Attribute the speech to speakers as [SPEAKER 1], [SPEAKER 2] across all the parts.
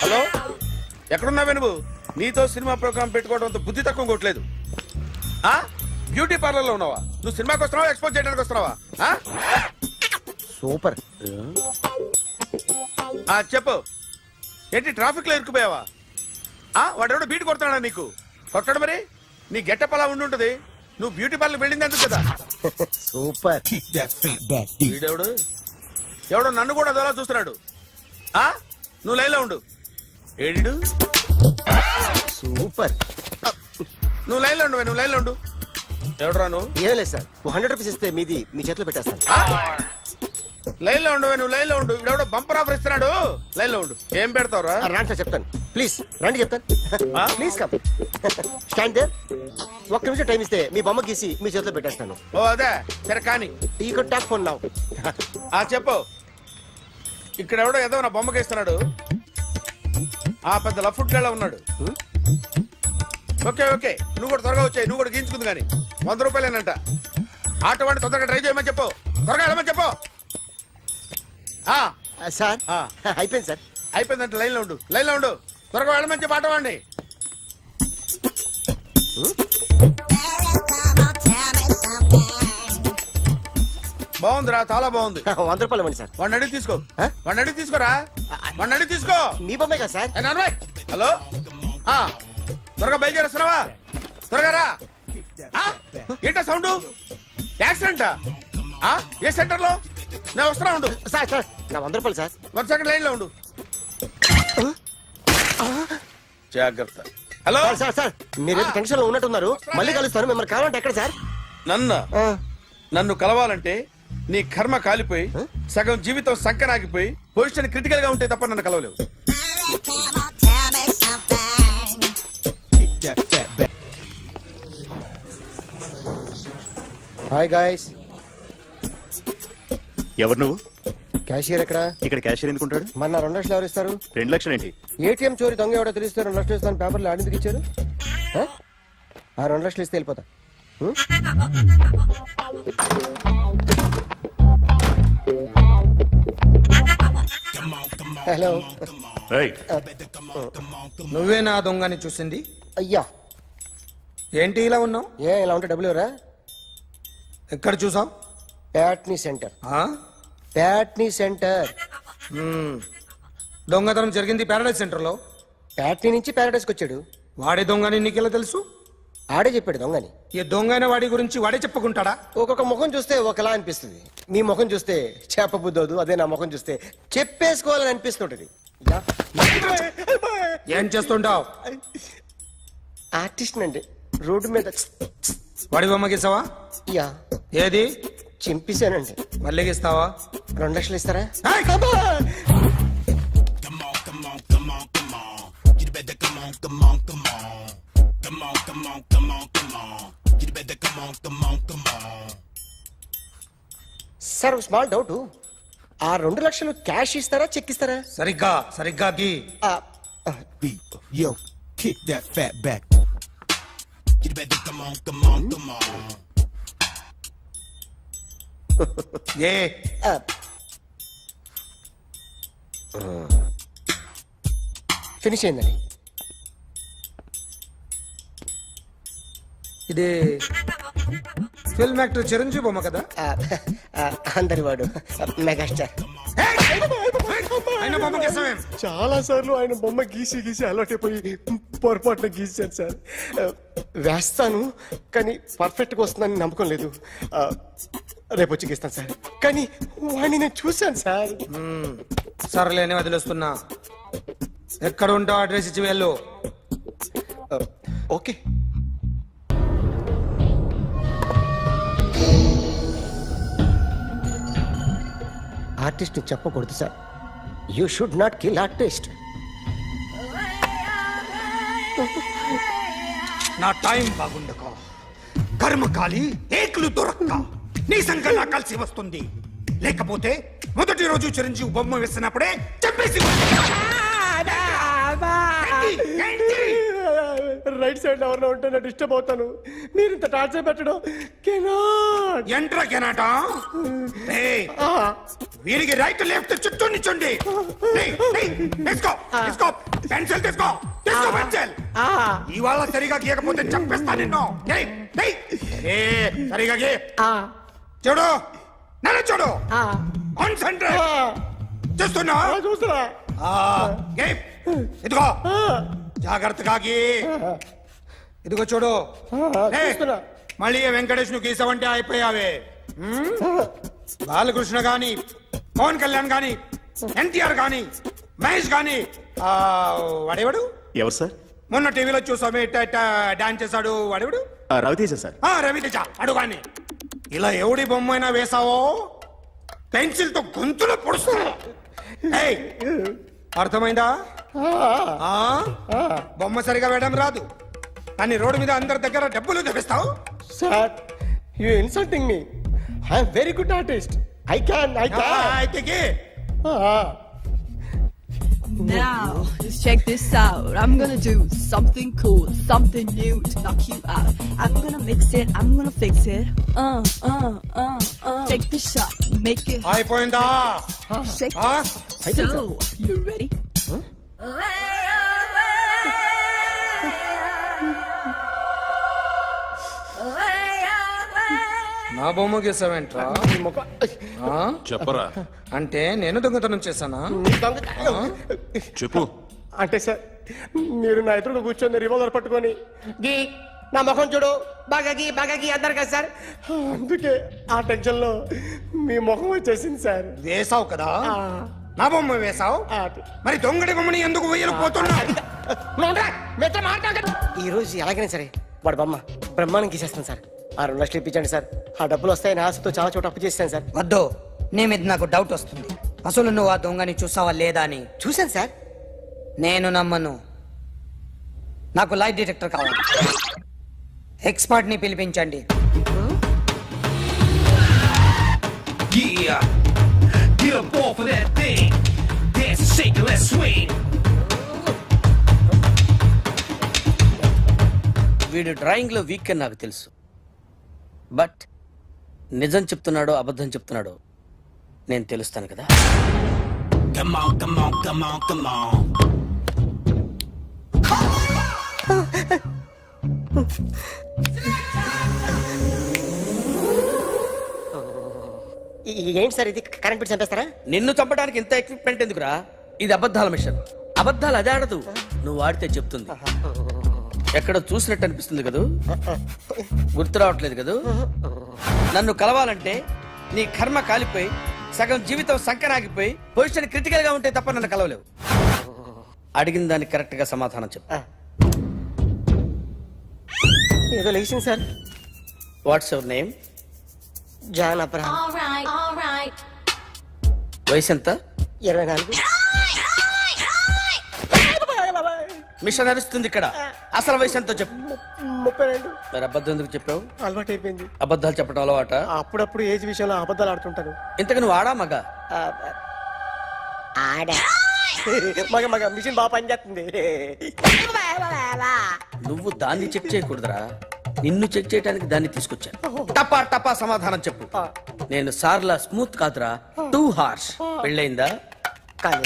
[SPEAKER 1] Hello, ఎక్కడున్నావే నువ్వు? నీతో cinema programme పెట్టుకోవడంతో బుద్ధి తక్కువ కొట్టలేదు. బ్యూటీ పార్లర్ లో ఉన్నావా? నువ్వు సినిమాకి వస్తున్నావా, ఎక్స్పోజ్ చేయడానికి వస్తున్నావా?
[SPEAKER 2] సూపర్.
[SPEAKER 1] చెప్పు, ఏంటి ట్రాఫిక్ లో ఇరుక్కుపోయావా? వాడెవడో బీట్ కొడతాడా నీకు? కొట్టడు మరి. నీ గెట్టప్ అలా ఉండుంటది. నువ్వు బ్యూటీ పార్లర్ వెళ్ళింది ఎందుకు కదా?
[SPEAKER 2] సూపర్.
[SPEAKER 1] వీడెవడు? ఎవడో నన్ను కూడా అదోలా చూస్తున్నాడు. నువ్వు లైన్లో ఉండు. ఏడు
[SPEAKER 2] సూపర్.
[SPEAKER 1] నువ్వు లైన్లో ఉండు, నువ్వు లైన్లో ఉండు. ఎవడరా నువ్వు?
[SPEAKER 2] ఏం లేదు సార్, 100 రూపీస్ ఇస్తే మీది మీ చేతిలో పెట్టేస్తాను.
[SPEAKER 1] లైన్లో ఉండు, నువ్వు లైన్లో ఉండు. ఇవిడెవడో బంపర్ ఆఫర్ ఇస్తున్నాడు. లైన్లో ఉండు. ఏం పెడతావురా?
[SPEAKER 2] రాండి సార్, చెప్తాను. ప్లీజ్ రండి, చెప్తాను. Please come. Stand there. ఒక్క నిమిషం టైం ఇస్తే మీ బొమ్మ గీసి మీ చేతిలో పెట్టేస్తాను.
[SPEAKER 1] ఓ అదే సరే, కానీ
[SPEAKER 2] ఈ కుడ్ టాక్ ఫోన్ నౌ.
[SPEAKER 1] చెప్పు. ఇక్కడ ఎవడో ఏదో నా బొమ్మకి ఇస్తున్నాడు. పెద్ద లఫుట్ గళ్ళ ఉన్నాడు. ఓకే ఓకే, నువ్వు కూడా త్వరగా వచ్చాయి. నువ్వు కూడా గీంచుకుంది కానీ 100 రూపాయలేనంట. ఆటో వాడిని తొందరగా ట్రై చేయమని చెప్పు. త్వరగా వెళ్ళమని చెప్పు.
[SPEAKER 2] సార్ అయిపోయింది సార్.
[SPEAKER 1] అయిపోయిందంటే లైన్లో ఉండు, లైన్లో ఉండు. త్వరగా వెళ్ళమని చెప్పు ఆటో వాడిని. బాగుందిరా, చాలా బాగుంది.
[SPEAKER 2] 100 రూపాయలు ఇవ్వండి సార్.
[SPEAKER 1] వాడిని అడిగి తీసుకో. వాడిని అడిగి తీసుకోరా. వాడిని అడిగి తీసుకో.
[SPEAKER 2] మీ బొమ్మే కదా సార్.
[SPEAKER 1] హలో, త్వరగా బయలుదేరేస్తున్నావా? త్వరగా రా. ఏంటా సౌండ్? యాక్సిడెంటా? ఏ సెంటర్ లో? నేను వస్తున్నా ఉండు.
[SPEAKER 2] సార్ సార్ నా 100 రూపాయలు సార్.
[SPEAKER 1] 1 సెకండ్ లైన్ లో ఉండు. జాగ్రత్త. హలో
[SPEAKER 2] సార్ సార్, మీరు టెన్షన్ లో ఉన్నట్టున్నారు. మళ్ళీ కలుస్తాను. మిమ్మల్ని కావాలంటే ఎక్కడ సార్?
[SPEAKER 1] నన్ను కలవాలంటే నీ కర్మ కాలిపోయి సగం జీవితం సంకనాగిపోయి పొజిషన్ క్రిటికల్ గా ఉంటే తప్ప నన్ను కలవలేవు.
[SPEAKER 2] Hi guys.
[SPEAKER 3] ఎవరు నువ్వు?
[SPEAKER 2] క్యాషియర్ ఎక్కడ?
[SPEAKER 3] ఇక్కడ క్యాషియర్ ఎందుకుంటాడు?
[SPEAKER 2] మన 2 లక్షలు ఎవరు ఇస్తారు?
[SPEAKER 3] 2 లక్షలు ఏంటి?
[SPEAKER 2] ఏటీఎం చోరీ దొంగ ఎవడో తెలిస్తే 2 లక్షలు ఇస్తాను పేపర్లు ఆడిందుకు ఇచ్చారు. 2 లక్షలు ఇస్తే వెళ్ళిపోతా. హలో.
[SPEAKER 4] నువ్వే నా దొంగని చూసింది?
[SPEAKER 2] అయ్యా,
[SPEAKER 4] ఏంటి ఇలా ఉన్నావు?
[SPEAKER 2] ఇలా ఉంటే డబ్బులు ఎవరా?
[SPEAKER 4] ఎక్కడ చూసావు?
[SPEAKER 2] ప్యాట్నీ సెంటర్. ప్యాట్నీ సెంటర్.
[SPEAKER 4] దొంగతనం జరిగింది ప్యారడైజ్ సెంటర్ లో.
[SPEAKER 2] ప్యాట్నీ నుంచి ప్యారడైజ్కి వచ్చాడు.
[SPEAKER 4] వాడే దొంగని నీకెలా తెలుసు?
[SPEAKER 2] ఆడే చెప్పాడు దొంగని.
[SPEAKER 4] ఈ దొంగైన వాడి గురించి వాడే చెప్పుకుంటాడా?
[SPEAKER 2] ఒక్కొక్క ముఖం చూస్తే ఒకలా అనిపిస్తుంది. మీ ముఖం చూస్తే చెప్పబుద్దోదు. అదే నా ముఖం చూస్తే చెప్పేసుకోవాలని అనిపిస్తుంటది.
[SPEAKER 4] ఏం చేస్తుంటావు?
[SPEAKER 2] ఆర్టిస్ట్ అండి. రోడ్డు మీద
[SPEAKER 4] వాడి బొమ్మ గీసావా?
[SPEAKER 2] యా.
[SPEAKER 4] ఏది?
[SPEAKER 2] చింపేశానండి.
[SPEAKER 4] మళ్ళీ గీస్తావా?
[SPEAKER 2] 2 లక్షలు ఇస్తారా? Sir small doubt. 2 లక్షలు క్యాష్ ఇస్తారా, చెక్ ఇస్తారా?
[SPEAKER 4] సరిగ్గా గీ.
[SPEAKER 5] Yo, kick that fat back. You better come on.
[SPEAKER 4] ఏ
[SPEAKER 2] ఫినిష్ అయిందండి.
[SPEAKER 4] ఇది ఫిల్మ్ యాక్టర్ చిరంజీవి బొమ్మ కదా?
[SPEAKER 2] అందరి వాడు మెగాస్టార్.
[SPEAKER 4] ఆయన బొమ్మ గీసావేం?
[SPEAKER 2] చాలా సార్లు ఆయన బొమ్మ గీసి అలవాటైపోయి పొరపాటున గీసాను సార్. వేస్తాను కానీ పర్ఫెక్ట్ గా వస్తుందని నమ్మకం లేదు. రేపు వచ్చి గీస్తాను సార్. కానీ వాడిని నేను చూశాను సార్.
[SPEAKER 4] సర్లేని వదిలేస్తున్నా. ఎక్కడ ఉంటావు అడ్రస్ ఇచ్చి వెళ్ళు.
[SPEAKER 2] ఓకే. ఆర్టిస్ట్ చెప్పకూడదు sir. You should not kill artist.
[SPEAKER 4] నా టైం బాగుండక కర్మకాలి ఏకులు దొరక్క నీ సంకల్లా కలిసి వస్తుంది. లేకపోతే మొదటి రోజు చిరంజీవి బొమ్మ వేసినప్పుడే చెప్పేసి
[SPEAKER 2] రైట్ సైడ్ ఎవరిలో ఉంటే నేను డిస్టర్బ్ అవుతాను. మీరు ఇంత టార్చర్ పెట్టడం
[SPEAKER 4] ఎంట్రా కెనాట. వీరికి రైట్ లెఫ్ట్ చుట్టూ నిచ్చండి తీసుకో తీసుకో పెన్సిల్ తీసుకో తీసుకో పెన్సిల్ ఇవాళ సరిగా గీయకపోతే చంపేస్తా నిన్ను ఏయ్, ఏయ్. ఏ, సరిగా గీ చూడు నన్ను చూడు కాన్సంట్రేట్ చూస్తున్నా
[SPEAKER 2] చూస్తున్నా
[SPEAKER 4] గీ. ఇదిగో జాగ్రత్తగా గీ ఇదిగో చూడు ఏయ్,
[SPEAKER 2] చూస్తున్నా.
[SPEAKER 4] మళ్ళీ వెంకటేష్ ను గీసావంటే అయిపోయావే బాలకృష్ణ గాని పవన్ కళ్యాణ్ గాని ఎన్టీఆర్ గాని మహేష్ గాని వాడేవాడు
[SPEAKER 3] ఎవరు సార్?
[SPEAKER 4] మొన్న టీవీలో చూసామే డాన్స్ చేశాడు వాడేవాడు
[SPEAKER 3] రవితేజ సార్.
[SPEAKER 4] రవితేజ అడుగాని ఇలా ఎవడి బొమ్మ అయినా వేసావో పెన్సిల్ తో గొంతులో పొడుస్తా ఏయ్, అర్థమైందా ఆ? బొమ్మ సరిగా వేయడం రాదు కానీ రోడ్డు మీద అందరి దగ్గర డబ్బులు తెప్పిస్తావు
[SPEAKER 2] sir you insulting me I'm very good artist I can
[SPEAKER 4] అయితే గీ.
[SPEAKER 6] Now, just check this out. I'm gonna do something cool, something new to knock you out. I'm gonna mix it, I'm gonna fix it. Take the shot, make it
[SPEAKER 4] అయిపోయిందా
[SPEAKER 6] shake.
[SPEAKER 4] ఆ?
[SPEAKER 6] So, you ready?
[SPEAKER 4] నా బొమ్మ గీసావేంట్రా
[SPEAKER 3] చెప్పరా.
[SPEAKER 4] అంటే నేను దొంగతనం చేశానా
[SPEAKER 3] చెప్పు.
[SPEAKER 2] అంటే సార్ మీరు నా ఎదురు కూర్చొని రివాల్వర్ పట్టుకొని గీ నా ముఖం చూడు బాగా గీ అన్నారు కదా సార్ అందుకే ఆ టెన్షన్ లో మీ ముఖం వచ్చేసింది సార్
[SPEAKER 4] వేసావు కదా నా బొమ్మ వేసావు మరి దొంగడి బొమ్మని ఎందుకు వేయలు పోతున్నా
[SPEAKER 2] ఈ రోజు ఎలాగైనా సరే వాడు బొమ్మ బ్రహ్మాండం గీసేస్తాను సార్ ఆ 2 లక్షలు ఇప్పించండి సార్ ఆ డబ్బులు వస్తాయని ఆశతో చాలా చోట అప్పు చేస్తాను సార్
[SPEAKER 7] వద్దు నీ మీద నాకు డౌట్ వస్తుంది అసలు నువ్వు ఆ దొంగని చూసావా లేదా అని
[SPEAKER 2] చూశాను సార్
[SPEAKER 7] నేను నమ్మను నాకు లైట్ డిటెక్టర్ కావాలి ఎక్స్పర్ట్ ని పిలిపించండి
[SPEAKER 5] Yeah, get up off of that thing. Dance and shake and let's swing.
[SPEAKER 8] వీడు డ్రాయింగ్ లో వీక్ అని నాకు తెలుసు బట్ నిజం చెప్తున్నాడో అబద్ధం చెప్తున్నాడో నేను తెలుస్తాను కదా.
[SPEAKER 5] Come on, come on, come on, come on.
[SPEAKER 2] ఏంటి సార్ ఇది కరెంట్ బిల్ చంపేస్తారా
[SPEAKER 8] నిన్ను చంపడానికి ఇంత ఎక్విప్మెంట్ ఎందుకురా? ఇది అబద్ధాల మిషన్. అబద్ధాలు అదే ఆడదు, నువ్వు ఆడితే చెప్తుంది. ఎక్కడ చూసినట్టు అనిపిస్తుంది కదూ, గుర్తు రావట్లేదు కదూ. నన్ను కలవాలంటే నీ కర్మ కాలిపోయి సగం జీవితం సంకరాగిపోయి పొజిషన్ క్రిటికల్ గా ఉంటే తప్ప నన్ను కలవలేవు. అడిగిన దానికి కరెక్ట్ గా సమాధానం చెప్పు.
[SPEAKER 2] ఏదో లేచింది sir
[SPEAKER 8] what's your name?
[SPEAKER 2] John Abraham
[SPEAKER 8] వయసు ఎంత?
[SPEAKER 2] 24
[SPEAKER 8] మిషన్ నడుస్తుంది ఇక్కడ. అసలు వయసు ఎంతో చెప్పు.
[SPEAKER 2] 32
[SPEAKER 8] మరి అబద్ధం ఎందుకు చెప్పావు?
[SPEAKER 2] అలవాటు అయిపోయింది
[SPEAKER 8] అబద్ధాలు చెప్పడం అలవాట?
[SPEAKER 2] అప్పుడప్పుడు ఏజ్ విషయంలో అబద్ధాలు ఆడుతుంటాను
[SPEAKER 8] ఇంతకు నువ్వు ఆడా మగా?
[SPEAKER 2] ఆడా మగ మిషన్ బాగా పనిచేస్తుంది
[SPEAKER 8] నువ్వు దాన్ని చెక్ చేయకూడదురా, నిన్ను చెక్ చేయడానికి దాన్ని తీసుకొచ్చాను. టపా టపా సమాధానం చెప్పు. నేను సార్లా స్మూత్ కాదురా, టూ హార్ష్. పెళ్ళయిందా?
[SPEAKER 2] కానీ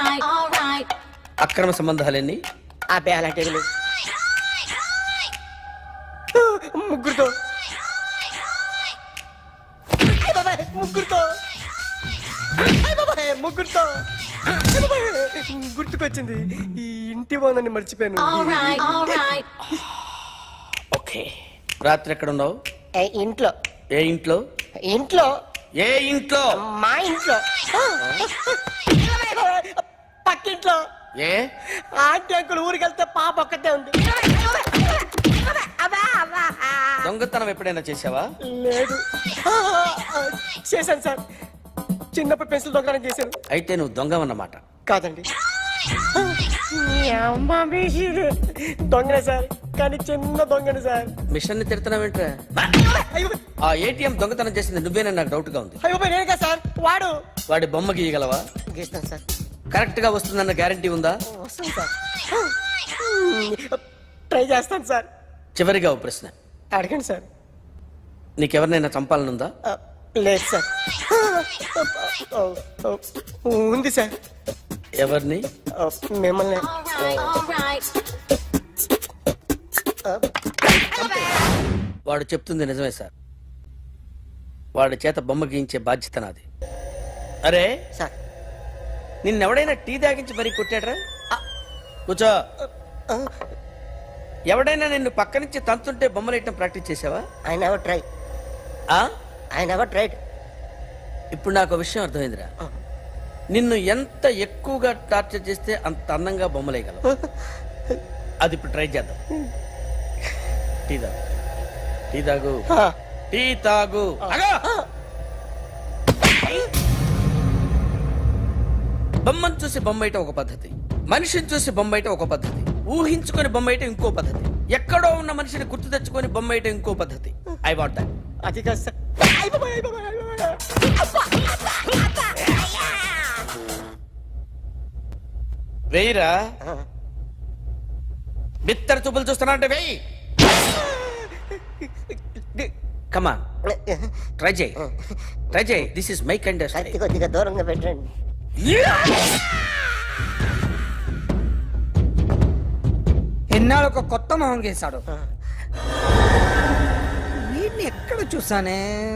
[SPEAKER 8] అక్రమ సంబంధాలన్నీ?
[SPEAKER 2] అబ్బే అలాంటి ముగ్గురుతో ముగ్గురుతో ముగ్గురుతో గుర్తుకొచ్చింది. ఈ ఇంటి బాగుందని మర్చిపోయాను.
[SPEAKER 8] ఓకే. రాత్రి ఎక్కడ ఉన్నావు?
[SPEAKER 2] ఇంట్లో
[SPEAKER 8] ఏ ఇంట్లో?
[SPEAKER 2] ఇంట్లో
[SPEAKER 8] ఏ ఇంట్లో?
[SPEAKER 2] మా ఇంట్లో పక్కింట్లో.
[SPEAKER 8] ఏ
[SPEAKER 2] ఆంటీ అంకుల్ ఊరికి వెళ్తే పాప ఒక్కతే ఉంది.
[SPEAKER 8] దొంగతనం ఎప్పుడైనా చేసావా?
[SPEAKER 2] లేదు చేశాను సార్, చిన్నప్పుడు పెన్సిల్ దొంగతనం చేశాను.
[SPEAKER 8] అయితే నువ్వు దొంగవన్నమాట.
[SPEAKER 2] కాదండి దొంగనే సార్, కానీ చిన్న దొంగనే సార్.
[SPEAKER 8] మిషన్ ని తిడుతున్నావేంట్రా? ఆ ఏటీఎం దొంగతనం చేసింది నువ్వేనని నాకు డౌట్ గా ఉంది.
[SPEAKER 2] అయ్యో నేను కదా సార్, వాడు.
[SPEAKER 8] వాడి బొమ్మ గీయగలవా?
[SPEAKER 2] గీస్తాను సార్.
[SPEAKER 8] కరెక్ట్ గా వస్తుందన్న గ్యారంటీ ఉందా?
[SPEAKER 2] వస్తాను సార్, ట్రై చేస్తాను సార్.
[SPEAKER 8] చివరిగా ఓ ప్రశ్న
[SPEAKER 2] అడగండి సార్.
[SPEAKER 8] నీకెవరినైనా చంపాలనుందా?
[SPEAKER 2] లేదు సార్. ఉంది సార్.
[SPEAKER 8] ఎవరిని?
[SPEAKER 2] మిమ్మల్ని.
[SPEAKER 8] వాడు చెప్తుంది నిజమే సార్. వాడి చేత బొమ్మ గీయించే బాధ్యత నాది. అరే
[SPEAKER 2] సార్.
[SPEAKER 8] నిన్నెవడైనా టీ తాగించి మరీ కొట్టాడ్రా? కూర్చో. ఎవడైనా నిన్ను పక్క నుంచి తంతుంటే బొమ్మలు వేయటం ప్రాక్టీస్ చేసావా?
[SPEAKER 2] I never try. I never tried.
[SPEAKER 8] ఇప్పుడు నాకు విషయం అర్థమైందిరా. నిన్ను ఎంత ఎక్కువగా టార్చర్ చేస్తే అంత అందంగా బొమ్మలేయగలవు. అది ఇప్పుడు ట్రై చేద్దాం. టీ తాగు. టీ తాగు. టీ తాగు. బొమ్మను చూసి బొమ్మయటం ఒక పద్ధతి, మనిషిని చూసి బొమ్మయటం ఒక పద్ధతి, ఊహించుకొని బొమ్మయటం ఇంకో పద్ధతి, ఎక్కడో ఉన్న మనిషిని గుర్తు తెచ్చుకొని బొమ్మయటం ఇంకో పద్ధతి. I want that.
[SPEAKER 2] అది కాదు సార్.
[SPEAKER 8] వెయ్యిరా. బిత్తర చూపులు చూస్తున్నా అంటే వెయ్యి. కమాన్, ట్రై చేయి. ట్రై చేయి. This is my kind of style.
[SPEAKER 2] కొద్దిగా దూరంగా పెట్టండి.
[SPEAKER 7] ఎన్నాళ్ళు ఒక కొత్త మొహం గీశాడు. వీడిని ఎక్కడ చూసానే?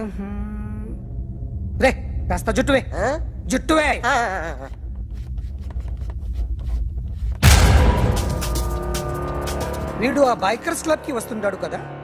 [SPEAKER 7] రే కాస్త జుట్టువే. జుట్టువే. వీడు ఆ బైకర్స్ క్లబ్ కి వస్తుంటాడు కదా.